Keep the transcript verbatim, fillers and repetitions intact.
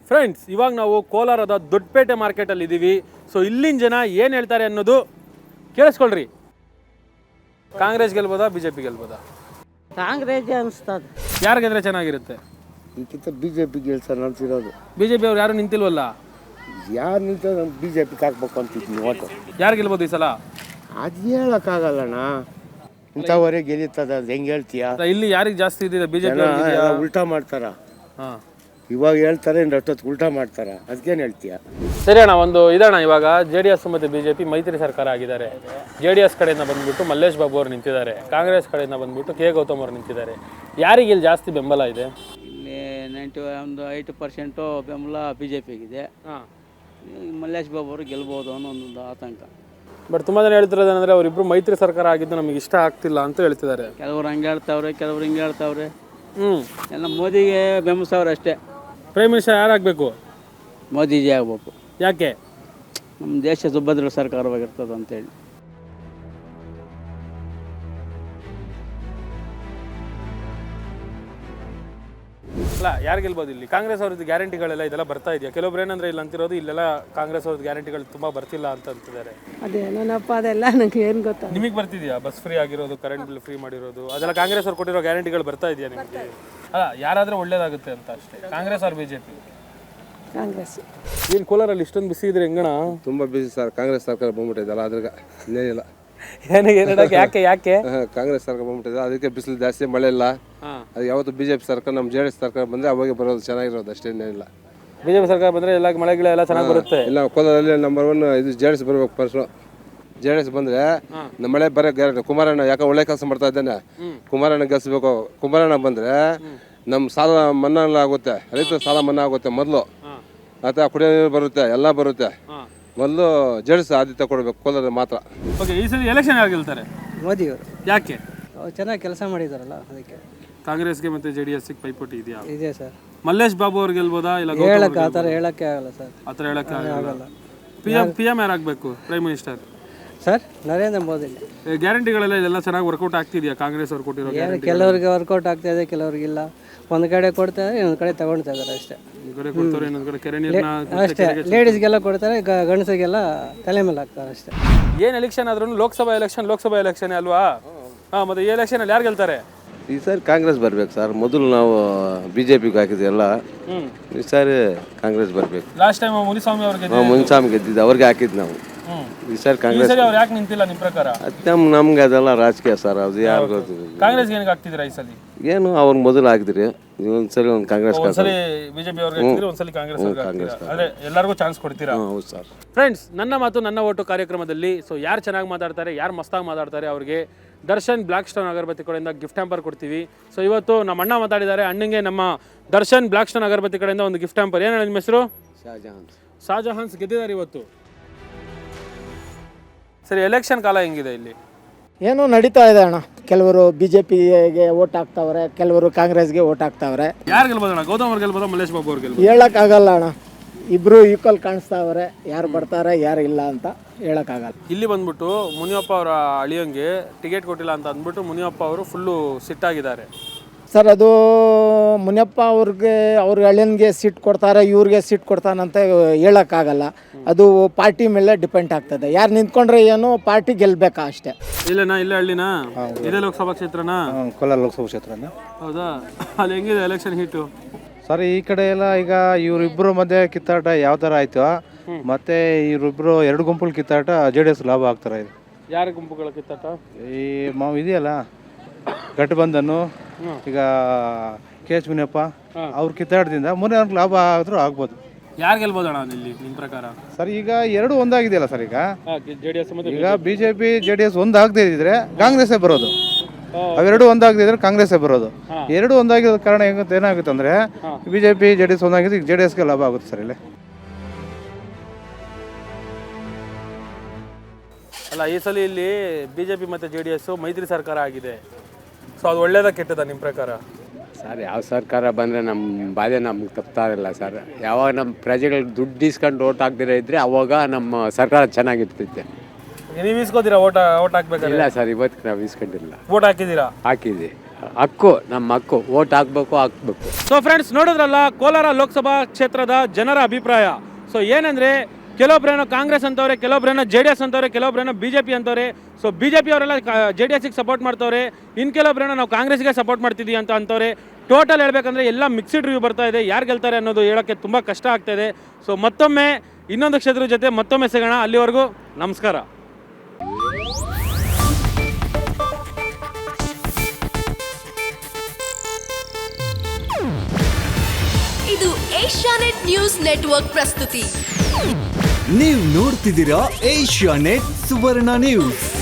Friends, ಇವಾಗ ನಾವು ಕೋಲಾರದ ದೊಡ್ಡಪೇಟೆ ಮಾರ್ಕೆಟಲ್ಲಿ ಇದ್ದೀವಿ. ಸೊ ಇಲ್ಲಿನ ಜನ ಏನು ಹೇಳ್ತಾರೆ ಅನ್ನೋದು ಕೇಳಿಸ್ಕೊಳ್ರಿ. ಕಾಂಗ್ರೆಸ್ ಗೆಲ್ಬೋದಾ, ಬಿ ಜೆ ಪಿ ಗೆಲ್ಬೋದಾ? ಕಾಂಗ್ರೆಸ್ ಅನಿಸ್ತದೆ. ಯಾರು ಗೆದ್ರೆ ಚೆನ್ನಾಗಿರುತ್ತೆ? ಈಗಿಂತ ಬಿ ಜೆ ಪಿ ಗೆಲ್ಸೋಣ ಅಂತಿರೋದು. ಬಿ ಜೆ ಪಿ ಅವ್ರು ಯಾರು ನಿಂತಿಲ್ವಲ್ಲ? ಯಾರು ನಿಂತ ಬಿ ಜೆ ಪಿಗೆ ಹಾಕ್ಬೇಕು ಅಂತಿದ್ನಿ ಓಟು. ಯಾರು ಗೆಲ್ಬೋದು ಈ ಸಲ? ಅದು ಹೇಳೋಕ್ಕಾಗಲ್ಲಣ್ಣ, ಇಂಥವರೇ ಗೆಲ್ಲುತ್ತದೆ. ಅದು ಹೆಂಗೆ ಹೇಳ್ತೀಯ? ಇಲ್ಲಿ ಯಾರಿಗೆ ಜಾಸ್ತಿ ಇದೆ? ಬಿ ಜೆ ಪಿ ಉಲ್ಟಾ ಮಾಡ್ತಾರ. ಹಾಂ, ಇವಾಗ ಹೇಳ್ತಾರೆ ಇನ್ನು ಅಷ್ಟೊತ್ತು ಉಲ್ಟಾ ಮಾಡ್ತಾರ. ಅದಕ್ಕೇನು ಹೇಳ್ತೀಯ? ಸರಿ ಅಣ್ಣ, ಒಂದು ಇದಣ್ಣ, ಇವಾಗ ಜೆ ಡಿ ಎಸ್ ಮತ್ತು ಬಿ ಜೆ ಪಿ ಮೈತ್ರಿ ಸರ್ಕಾರ ಆಗಿದ್ದಾರೆ. ಜೆ ಡಿ ಎಸ್ ಕಡೆಯಿಂದ ಬಂದ್ಬಿಟ್ಟು ಮಲ್ಲೇಶ್ ಬಾಬು ಅವರು ನಿಂತಿದ್ದಾರೆ, ಕಾಂಗ್ರೆಸ್ ಕಡೆಯಿಂದ ಬಂದ್ಬಿಟ್ಟು ಕೆ ಗೌತಮ್ ಅವರು ನಿಂತಿದ್ದಾರೆ. ಯಾರಿಗೆ ಇಲ್ಲಿ ಜಾಸ್ತಿ ಬೆಂಬಲ ಇದೆ? ಇಲ್ಲಿ ನೈಂಟಿ ಒಂದು ಐದು ಪರ್ಸೆಂಟು ಬೆಂಬಲ ಬಿ ಜೆ ಪಿಗಿದೆ. ಹಾಂ, ಮಲ್ಲೇಶ್ ಬಾಬು ಅವರು ಗೆಲ್ಬೋದು ಅನ್ನೋ ಒಂದು ಆತಂಕ. ಬಟ್ ತುಂಬ ಜನ ಹೇಳ್ತಿರೋದೇನೆಂದರೆ ಅವರಿಬ್ಬರು ಮೈತ್ರಿ ಸರ್ಕಾರ ಆಗಿದ್ದು ನಮಗೆ ಇಷ್ಟ ಆಗ್ತಿಲ್ಲ ಅಂತ ಹೇಳ್ತಿದ್ದಾರೆ. ಕೆಲವ್ರು ಹಂಗೆ ಹೇಳ್ತಾವ್ರೆ, ಕೆಲವ್ರು ಹಿಂಗೆ ಹೇಳ್ತಾವ್ರೆ. ಹ್ಞೂ, ಎಲ್ಲ ಮೋದಿಗೆ ಬೆಂಬಲಿಸವ್ರೆ ಅಷ್ಟೇ. Prime minister ಯಾರಾಗಬೇಕು? ಮೋದಿಜಿ ಆಗ್ಬೇಕು. ಯಾಕೆ? ನಮ್ಮ ದೇಶ ಸುಭದ್ರ ಸರ್ಕಾರವಾಗಿರ್ತದೆ ಅಂತೇಳಿ. ಅಲ್ಲ, ಯಾರು ಗೆಲ್ಬೋದು ಇಲ್ಲಿ? ಕಾಂಗ್ರೆಸ್ ಅವ್ರದ್ದು ಗ್ಯಾರಂಟಿಗಳೆಲ್ಲ ಇದೆಲ್ಲ ಬರ್ತಾ ಇದೆಯಾ? ಕೆಲವೊಬ್ರು ಏನಂದ್ರೆ ಇಲ್ಲಿ ಅಂತಿರೋದು ಇಲ್ಲೆಲ್ಲ ಕಾಂಗ್ರೆಸ್ ಅವ್ರದ್ದು ಗ್ಯಾರಂಟಿಗಳು ತುಂಬ ಬರ್ತಿಲ್ಲ ಅಂತ ಅಂತಿದ್ದಾರೆ. ಅದೇನಪ್ಪ, ಅದೆಲ್ಲ ನಂಗೆ ಏನು ಗೊತ್ತಾ. ನಿಮಗೆ ಬರ್ತಿದೆಯಾ? ಬಸ್ ಫ್ರೀ ಆಗಿರೋದು, ಕರೆಂಟ್ ಬಿಲ್ ಫ್ರೀ ಮಾಡಿರೋದು, ಅದೆಲ್ಲ ಕಾಂಗ್ರೆಸ್ ಅವ್ರು ಕೊಟ್ಟಿರೋ ಗ್ಯಾರಂಟಿಗಳು ಬರ್ತಾ ಇದೆಯಾ ನಿಮಗೆ? ಅಲ್ಲ, ಯಾರಾದರೂ ಒಳ್ಳೇದಾಗುತ್ತೆ ಅಂತ ಅಷ್ಟೇ. ಕಾಂಗ್ರೆಸ್ ಅವ್ರ ಬಿ ಜೆ ಪಿ? ಕಾಂಗ್ರೆಸ್. ಏನು ಕೋಲಾರಲ್ಲಿ ಇಷ್ಟೊಂದು ಬಿಸಿ ಇದ್ರೆ ಹೆಂಗಣ? ತುಂಬ ಬಿಸಿ ಸರ್. ಕಾಂಗ್ರೆಸ್ ಸರ್ಕಾರ ಬಂದ್ಬಿಟ್ಟಿದ್ದಲ್ಲ, ಅದ್ರಾಗ ಇನ್ನೇನಿಲ್ಲ. ಏನಿಗೆ ಏನಕ್ಕೆ? ಯಾಕೆ ಯಾಕೆ ಕಾಂಗ್ರೆಸ್ ಸರ್ಕಾರ ಬಂದ್ಬಿಟ್ಟಿದೆ, ಅದಕ್ಕೆ ಬಿಸಿಲು ಜಾಸ್ತಿ, ಮಳೆ ಇಲ್ಲ. ಅದು ಯಾವತ್ತು ಬಿ ಜೆ ಪಿ ಸರ್ಕಾರ, ನಮ್ಮ ಜೆ ಡಿ ಎಸ್ ಸರ್ಕಾರ ಬಂದರೆ ಅವಾಗೆ ಬರೋದು, ಚೆನ್ನಾಗಿರೋದು ಅಷ್ಟೇ, ಇನ್ನೇನಿಲ್ಲ. ಬಿ ಜೆ ಪಿ ಸರ್ಕಾರ ಬಂದರೆ ಎಲ್ಲ ಮಳೆ ಗಿಳ ಎಲ್ಲ ಚೆನ್ನಾಗಿ ಬರುತ್ತೆ. ಇಲ್ಲ, ಕೋಲಾರಲ್ಲಿ ನಂಬರ್ ಒನ್ ಇದು ಜೆ ಡಿ ಎಸ್ ಬರಬೇಕು ಫಸ್ಟು. ಜೆ ಡಿ ಎಸ್ ಬಂದರೆ ನಮ್ಮ ಮಳೆ ಬರೋ ಗ್ಯಾರಂಟಿ. ಕುಮಾರಣ್ಣ ಯಾಕೆ ಒಳ್ಳೆ ಕೆಲಸ ಮಾಡ್ತಾ ಇದ್ದಾನೆ, ಕುಮಾರಣ್ಣ ಗೆಲ್ಸ್ಬೇಕು. ಕುಮಾರಣ್ಣ ಬಂದರೆ ನಮ್ಮ ಸಾಲ ಮನ್ನಾ ಆಗುತ್ತೆ, ರೈತರ ಸಾಲ ಮನ್ನಾ ಆಗುತ್ತೆ ಮೊದಲು. ಅಥವಾ ಕುಡಿಯೋ ನೀರು ಬರುತ್ತೆ, ಎಲ್ಲ ಬರುತ್ತೆ. ಮೊದಲು ಜೆ ಡಿ ಎಸ್ ಆದ್ಯತೆ ಕೊಡಬೇಕು ಕೋಲಾರ ಮಾತ್ರ. ಓಕೆ, ಈ ಸಲ ಎಲೆಕ್ಷನ್ ಯಾರು ಗೆಲ್ತಾರೆ? ಮೋದಿಯವರು. ಯಾಕೆ? ಅವ್ರು ಚೆನ್ನಾಗಿ ಕೆಲಸ ಮಾಡಿದಾರಲ್ಲ, ಅದಕ್ಕೆ. ಕಾಂಗ್ರೆಸ್ಗೆ ಮತ್ತು ಜೆ ಡಿ ಎಸ್ಗೆ ಪೈಪೋಟಿ ಇದೆಯಾ? ಇದೆ ಸರ್. ಮಲ್ಲೇಶ್ ಬಾಬು ಅವ್ರು ಗೆಲ್ಬೋದಾ, ಇಲ್ಲ ಹೇಳಕ್ಕೆ ಆ ಥರ ಹೇಳಕ್ಕೆ ಆಗಲ್ಲ ಸರ್. ಆ ಥರ ಹೇಳಕ್ಕೆ ಆಗಲ್ಲ. ಪಿ ಎಂ ಪಿ ಎಂ ಯಾರಾಗಬೇಕು? Prime minister sir Narendra Modi. ಗ್ಯಾರಂಟಿಗಳೆಲ್ಲ ಇದೆಲ್ಲ ಚೆನ್ನಾಗಿ ವರ್ಕೌಟ್ ಆಗ್ತಿದೆಯಾ? ಕಾಂಗ್ರೆಸ್ ಅವ್ರು ಕೊಟ್ಟಿರೋ ಗ್ಯಾರಂಟಿ ಕೆಲವರಿಗೆ ವರ್ಕೌಟ್ ಆಗ್ತಾ ಇದೆ, ಕೆಲವರಿಗಿಲ್ಲ. ಒಂದು ಕಡೆ ಕೊಡ್ತಾರೆ, ಇನ್ನೊಂದು ಕಡೆ ತಗೊಳ್ತಾ ಇದ್ದಾರೆ ಅಷ್ಟೇ. ಒಂದು ಕಡೆ ಕೊಡ್ತಾರೆ, ಇನ್ನೊಂದು ಕಡೆ ಕೆರೆ ನೀರನ್ನ ಅಷ್ಟೇ. ಲೇಡೀಸ್ಗೆಲ್ಲ ಕೊಡ್ತಾರೆ, ಗಂಡಸರಿಗೆಲ್ಲ ತಲೆ ಮೇಲೆ ಹಾಕ್ತಾರೆ ಅಷ್ಟೇ. ಏನು ಎಲೆಕ್ಷನ್ ಆದ್ರೂ ಲೋಕಸಭಾ ಎಲೆಕ್ಷನ್ ಲೋಕಸಭಾ ಎಲೆಕ್ಷನ್ ಅಲ್ವಾ? ಹಾಂ, ಮತ್ತು ಈ ಎಲೆಕ್ಷನಲ್ಲಿ ಯಾರು ಗೆಲ್ತಾರೆ? ಈ ಸಾರಿ ಕಾಂಗ್ರೆಸ್ ಬರ್ಬೇಕು ಸರ್. ಮೊದಲು ನಾವು ಬಿ ಜೆ ಪಿಗೆ ಹಾಕಿದ್ವಲ್ಲ, ಈ ಸಾರಿ ಕಾಂಗ್ರೆಸ್ ಬರ್ಬೇಕು. ಲಾಸ್ಟ್ ಟೈಮ್ ಮುನಿಸ್ವಾಮಿ ಅವ್ರಿಗೆ ಮುನ್ಸ್ವಾಮಿ ಗೆದ್ದಿದ್ದು, ಅವ್ರಿಗೆ ಹಾಕಿದ್ದು ನಾವು. ಈ ಸಾರಿ ಕಾಂಗ್ರೆಸ್. ಅವ್ರು ಯಾಕೆ ನಿಂತಿಲ್ಲ ನಿಮ್ಮ ಪ್ರಕಾರ? ನಮ್ ನಮ್ಗೆ ಅದೆಲ್ಲ ರಾಜಕೀಯ ಸರ್, ಅದು ಯಾರು ಗೊತ್ತು. ಕಾಂಗ್ರೆಸ್ ಏನಕ್ಕೆ ಹಾಕ್ತಿದ್ದೀರಾ ಈ ಸಲ? ಏನು ಅವ್ರು ಮೊದಲು ಹಾಕಿದ್ರಿ, ಒಂದ್ಸರಿ ಒಂದು ಕಾಂಗ್ರೆಸ್, ಒಂದ್ಸಲಿ ಬಿಜೆಪಿ ಅವ್ರಿಗೆ ಹಾಕ್ತಿರಿ, ಒಂದ್ಸಲಿ ಕಾಂಗ್ರೆಸ್ ಅವ್ರಿಗೆ ಹಾಕ್ತೀರಾ? ಅದೇ ಎಲ್ಲರಿಗೂ ಚಾನ್ಸ್ ಕೊಡ್ತೀರಾ? ಹೌದು ಸರ್. ಫ್ರೆಂಡ್ಸ್, ನನ್ನ ಮಾತು ನನ್ನ ಓಟು ಕಾರ್ಯಕ್ರಮದಲ್ಲಿ ಸೊ ಯಾರು ಚೆನ್ನಾಗಿ ಮಾತಾಡ್ತಾರೆ, ಯಾರು ಮಸ್ತಾಗಿ ಮಾತಾಡ್ತಾರೆ ಅವ್ರಿಗೆ ದರ್ಶನ್ ಬ್ಲ್ಯಾಕ್ ಸ್ಟೋನ್ ಅಗರಬತ್ತಿ ಕಡೆಯಿಂದ ಗಿಫ್ಟ್ ಹ್ಯಾಂಪರ್ ಕೊಡ್ತೀವಿ. ಸೊ ಇವತ್ತು ನಮ್ಮ ಅಣ್ಣ ಮಾತಾಡಿದ್ದಾರೆ, ಅಣ್ಣಂಗೆ ನಮ್ಮ ದರ್ಶನ್ ಬ್ಲ್ಯಾಕ್ ಸ್ಟೋನ್ ಅಗರಬತ್ತಿ ಕಡೆಯಿಂದ ಒಂದು ಗಿಫ್ಟ್ ಹ್ಯಾಂಪರ್. ಏನು ನಿಮ್ಮ ಹೆಸರು? ಶಾಜಹಾನ್. ಶಾಜಹಾನ್ಸ್ ಗೆದ್ದಿದ್ದಾರೆ ಇವತ್ತು. ಸರಿ, ಎಲೆಕ್ಷನ್ ಕಾಲ ಹೆಂಗಿದೆ ಇಲ್ಲಿ? ಏನೋ ನಡೀತಾ ಇದೆ ಅಣ್ಣ. ಕೆಲವರು ಬಿ ಜೆ ಪಿಗೆ ಓಟ್ ಹಾಕ್ತಾವ್ರೆ, ಕೆಲವರು ಕಾಂಗ್ರೆಸ್ಗೆ ಓಟ್ ಹಾಕ್ತಾವ್ರೆ. ಯಾರು ಗೆಲ್ಬೋದು ಅಣ್ಣ? ಗೌತಮ್ ಅವ್ರು ಗೆಲ್ಬೋದಾ, ಮಲ್ಲೇಶ್ ಬಾಬು ಅವ್ರು ಗೆಲ್ಬೋದು? ಹೇಳೋಕ್ಕಾಗಲ್ಲ ಅಣ್ಣ, ಇಬ್ಬರು ಈಕ್ವಲ್ ಕಾಣಿಸ್ತಾವ್ರೆ. ಯಾರು ಬರ್ತಾರೆ ಯಾರು ಇಲ್ಲ ಅಂತ ಹೇಳೋಕ್ಕಾಗಲ್ಲ. ಇಲ್ಲಿ ಬಂದ್ಬಿಟ್ಟು ಮುನಿಯಪ್ಪ ಅವರ ಅಳಿಯಂಗೆ ಟಿಕೆಟ್ ಕೊಟ್ಟಿಲ್ಲ ಅಂತ ಅಂದ್ಬಿಟ್ಟು ಮುನಿಯಪ್ಪ ಅವರು ಫುಲ್ಲು ಸಿಟ್ಟಾಗಿದ್ದಾರೆ. ಸರ್, ಅದು ಮುನಿಯಪ್ಪ ಅವ್ರಿಗೆ, ಅವ್ರ ಅಳಿಯನ್ಗೆ ಸೀಟ್ ಕೊಡ್ತಾರೆ, ಇವ್ರಿಗೆ ಸೀಟ್ ಕೊಡ್ತಾನಂತ ಹೇಳೋಕ್ಕಾಗಲ್ಲ. ಅದು ಪಾರ್ಟಿ ಮೇಲೆ ಡಿಪೆಂಡ್ ಆಗ್ತದೆ. ಯಾರು ನಿಂತ್ಕೊಂಡ್ರೆ ಏನು, ಪಾರ್ಟಿ ಗೆಲ್ಬೇಕಾ ಅಷ್ಟೇ. ಇಲ್ಲೇನಾ? ಇಲ್ಲೇ ಹಳ್ಳಿನಾ? ಇದೇ ಲೋಕಸಭಾ ಕ್ಷೇತ್ರನಾ? ಕೋಲಾರ ಲೋಕಸಭಾ ಕ್ಷೇತ್ರನ. ಹೌದಾ? ಅಲ್ಲಿ ಹೆಂಗಿದೆ ಎಲೆಕ್ಷನ್ ಹೀಟು? ಸರ್, ಈ ಕಡೆ ಎಲ್ಲ ಈಗ ಇವರಿಬ್ಬರು ಮಧ್ಯೆ ಕಿತ್ತಾಟ ಯಾವ ಥರ ಆಯಿತು, ಮತ್ತು ಇವರಿಬ್ಬರು ಎರಡು ಗುಂಪುಗಳು ಕಿತ್ತಾಟ ಜೆ ಡಿ ಎಸ್ ಲಾಭ ಆಗ್ತಾರೆ. ಇದು ಯಾರ ಗುಂಪುಗಳ ಕಿತ್ತಾಟ? ಈ ಮಾವು ಇದೆಯಲ್ಲ ಗಠಬಂಧನು, ಈಗ ಕೆ ಎಚ್ ಮುನಿಯಪ್ಪ ಅವ್ರ ಕಿತ್ತಾಟದಿಂದ ಮುಂದೆ ಲಾಭ ಆದರೂ ಆಗ್ಬೋದು. ಯಾರು ಗೆಲ್ಬೋದು ಅಣ್ಣ ಇಲ್ಲಿ ನಿಮ್ಮ ಪ್ರಕಾರ? ಸರ್, ಈಗ ಎರಡು ಒಂದಾಗಿದೆಯಲ್ಲ ಸರ್. ಈಗ ಜೆ ಡಿ ಎಸ್ ಈಗ B J P J D S ಒಂದಾಗದೇ ಇದ್ದಿದ್ರೆ ಕಾಂಗ್ರೆಸ್ಸೇ ಬರೋದು. ಅವೆರಡು ಒಂದಾಗದಿದ್ರೆ ಕಾಂಗ್ರೆಸ್ಸೇ ಬರೋದು. ಎರಡು ಒಂದಾಗಿರೋ ಕಾರಣ ಹೆಂಗಂತ ಏನಾಗುತ್ತೆ ಅಂದರೆ, B J P J D S ಒಂದಾಗಿದ್ದು ಜೆ ಡಿ ಎಸ್ಗೆ ಲಾಭ ಆಗುತ್ತೆ ಸರ್ ಇಲ್ಲಿ. ಅಲ್ಲ, ಈ ಸಲ ಇಲ್ಲಿ ಬಿ ಜೆ ಪಿ ಮತ್ತು ಜೆ ಡಿ ಎಸ್ ಮೈತ್ರಿ ಸರ್ಕಾರ ಆಗಿದೆ. ಸೊ ಅದು ಒಳ್ಳೇದ ಕೆಟ್ಟದ ನಿಮ್ಮ ಪ್ರಕಾರ? ಸರ್, ಯಾವ ಸರ್ಕಾರ ಬಂದರೆ ನಮ್ಮ ಬಾಧೆ ನಮ್ಗೆ ತಪ್ತಾ ಇರಲ್ಲ ಸರ್. ಯಾವಾಗ ನಮ್ಮ ಪ್ರಜೆಗಳು ದುಡ್ಡು ಇಸ್ಕೊಂಡು ಓಟ್ ಹಾಕ್ದಿರ ಇದ್ದರೆ ಅವಾಗ ನಮ್ಮ ಸರ್ಕಾರ ಚೆನ್ನಾಗಿರ್ತೈತೆ. ನೀವು ಇಸ್ಕೋತೀರಾ ಓಟ್ ಓಟ್ ಹಾಕ್ಬೇಕು? ಇಲ್ಲ ಸರ್, ಇವತ್ತು ನಾವು ಇಸ್ಕೊಂಡಿಲ್ಲ. ಓಟ್ ಹಾಕಿದ್ದೀರಾ? ಹಾಕಿದ್ವಿ. ಹಕ್ಕು ನಮ್ಮ ಹಕ್ಕು ಓಟ್ ಹಾಕ್ಬೇಕು ಹಾಕ್ಬೇಕು. ಸೊ ಫ್ರೆಂಡ್ಸ್ ನೋಡಿದ್ರಲ್ಲ ಕೋಲಾರ ಲೋಕಸಭಾ ಕ್ಷೇತ್ರದ ಜನರ ಅಭಿಪ್ರಾಯ. ಸೊ ಏನಂದರೆ ಕೆಲವೊಬ್ರೇನೋ ಕಾಂಗ್ರೆಸ್ ಅಂತವ್ರೆ, ಕೆಲವೊಬ್ರೇನೋ ಜೆ ಡಿ ಎಸ್ ಅಂತವ್ರೆ, ಕೆಲವೊಬ್ರೇನೋ ಬಿ ಜೆ ಪಿ ಅಂತವ್ರೆ. ಸೊ ಬಿ ಜೆ ಪಿ ಅವರೆಲ್ಲ ಜೆ ಡಿ ಎಸ್ಗೆ ಸಪೋರ್ಟ್ ಮಾಡ್ತವ್ರೆ, ಇನ್ನು ಕೆಲವೊಬ್ರೇನೋ ನಾವು ಕಾಂಗ್ರೆಸ್ಗೆ ಸಪೋರ್ಟ್ ಮಾಡ್ತಿದ್ದೀವಿ ಅಂತ ಅಂತವ್ರೆ. ಟೋಟಲ್ ಹೇಳ್ಬೇಕಂದ್ರೆ ಎಲ್ಲ ಮಿಕ್ಸ್ಡ್ ರಿವ್ಯೂ ಬರ್ತಾ ಇದೆ. ಯಾರು ಗೆಲ್ತಾರೆ ಅನ್ನೋದು ಹೇಳೋಕ್ಕೆ ತುಂಬ ಕಷ್ಟ ಆಗ್ತಾ ಇದೆ. ಸೊ ಮತ್ತೊಮ್ಮೆ ಇನ್ನೊಂದು ಕ್ಷೇತ್ರದ ಜೊತೆ ಮತ್ತೊಮ್ಮೆ ಸಿಗೋಣ. ಅಲ್ಲಿವರೆಗೂ ನಮಸ್ಕಾರ. ಇದು ಏಷ್ಯಾನೆಟ್ ನ್ಯೂಸ್ ನೆಟ್ವರ್ಕ್ ಪ್ರಸ್ತುತಿ. ನೀವು ನೋಡ್ತಿದ್ದೀರಾ ಏಷ್ಯಾನೆಟ್ ಸುವರ್ಣ ನ್ಯೂಸ್.